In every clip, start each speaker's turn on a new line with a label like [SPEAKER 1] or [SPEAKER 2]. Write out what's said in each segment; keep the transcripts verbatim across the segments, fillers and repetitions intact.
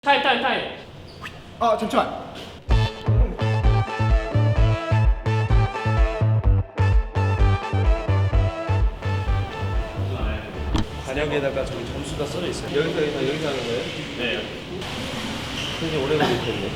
[SPEAKER 1] 타임 타임 타임.
[SPEAKER 2] 아 잠시만.
[SPEAKER 3] 관역에다가 저기 점수가 써져 있어요. 여기서 여기서 여기서 하는 거예요?
[SPEAKER 1] 네.
[SPEAKER 3] 굉장히 오래 걸리겠네.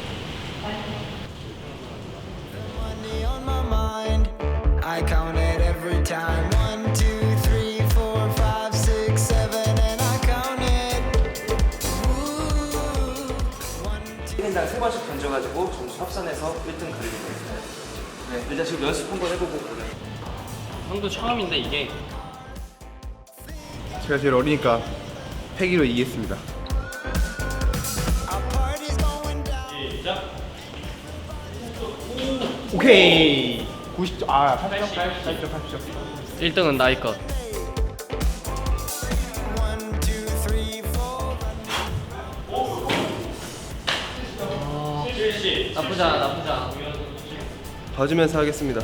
[SPEAKER 4] Money on my mind. I count it every time. One, two, three, four, five, six, seven, and I count it. Ooh. One, two.
[SPEAKER 3] 일 인당 세 번씩 던져가지고 점수 합산해서 일 등 가리게 돼요. 네, 일단 지금 연습 한번 해보고 그래요.
[SPEAKER 1] 형도 처음인데 이게
[SPEAKER 2] 제가 제일 어리니까 패기로 이기겠습니다.
[SPEAKER 4] Our party's going down.
[SPEAKER 1] 시작.
[SPEAKER 2] 오케이. 구십 점. 아 팔십 점. 팔십 점. 팔십 점.
[SPEAKER 1] 일 등은 나이 것.
[SPEAKER 4] One, two, three, four.
[SPEAKER 1] 나쁘지 않아 나쁘지 않아.
[SPEAKER 3] 봐주면서 하겠습니다.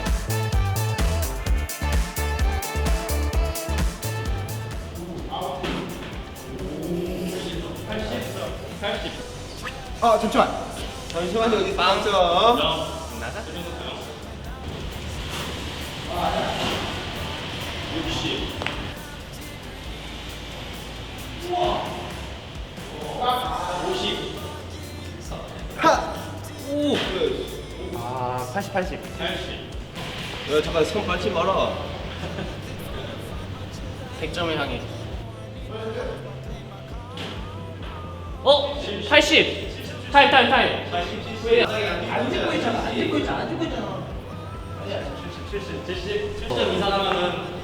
[SPEAKER 2] 아 잠시만.
[SPEAKER 3] 잠시만요, 어디
[SPEAKER 1] 빵.
[SPEAKER 3] 있어?
[SPEAKER 1] 나가?
[SPEAKER 2] 아 팔십 팔십.
[SPEAKER 3] 야, 잠깐 손 밟지 마라.
[SPEAKER 1] 백 점을 향해. 어? 팔십. 타임 타임 타임. 안 찍고 있잖아. 안 찍고 있잖아. 안 찍고 있잖아. 칠십, 칠십, 칠십 점 이상 하면은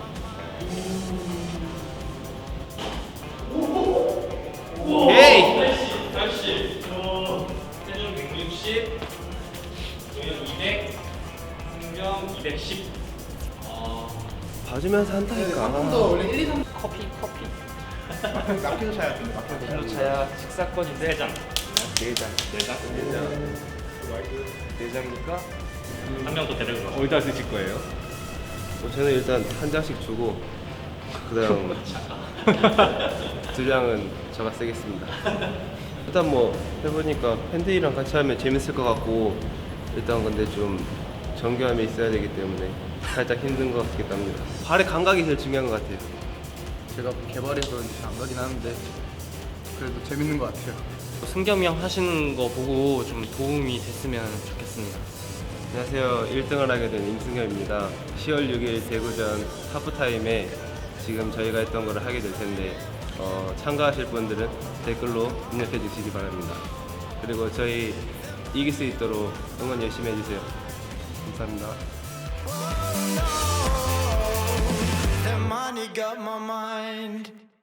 [SPEAKER 3] 에이!
[SPEAKER 1] 팔십, 팔십, 어, 체중 백육십, 조연 이백, 승경 이백십. 어,
[SPEAKER 3] 봐주면서 한다니까.
[SPEAKER 2] 더 원래 일, 이, 삼
[SPEAKER 1] 커피, 커피.
[SPEAKER 2] 남기도 차야 같은데. 남기도 차야.
[SPEAKER 3] 킬로 차야 식사권인데
[SPEAKER 1] 세 장.
[SPEAKER 3] 네 장.
[SPEAKER 1] 네 장.
[SPEAKER 3] 네 장. 네 장이니까
[SPEAKER 1] 한 명 더 데리고 가.
[SPEAKER 2] 어디다 쓰실 거예요?
[SPEAKER 3] 뭐 저는 일단 한 장씩 주고 그다음 두 장은 제가 쓰겠습니다. 일단 뭐 해보니까 팬들이랑 같이 하면 재밌을 것 같고 일단 근데 좀 정교함이 있어야 되기 때문에 살짝 힘든 것 같기도 합니다. 발의 감각이 제일 중요한 것 같아요.
[SPEAKER 2] 제가 개발해서 잘 안 가긴 하는데 그래도 재밌는 것 같아요.
[SPEAKER 1] 승겸이 형 하시는 거 보고 좀 도움이 됐으면 좋겠습니다.
[SPEAKER 3] 안녕하세요. 일 등을 하게 된 임승엽입니다. 시월 육일 대구전 하프타임에 지금 저희가 했던 거를 하게 될 텐데 어, 참가하실 분들은 댓글로 입력해 주시기 바랍니다. 그리고 저희 이길 수 있도록 응원 열심히 해주세요. 감사합니다.
[SPEAKER 4] The money got my mind.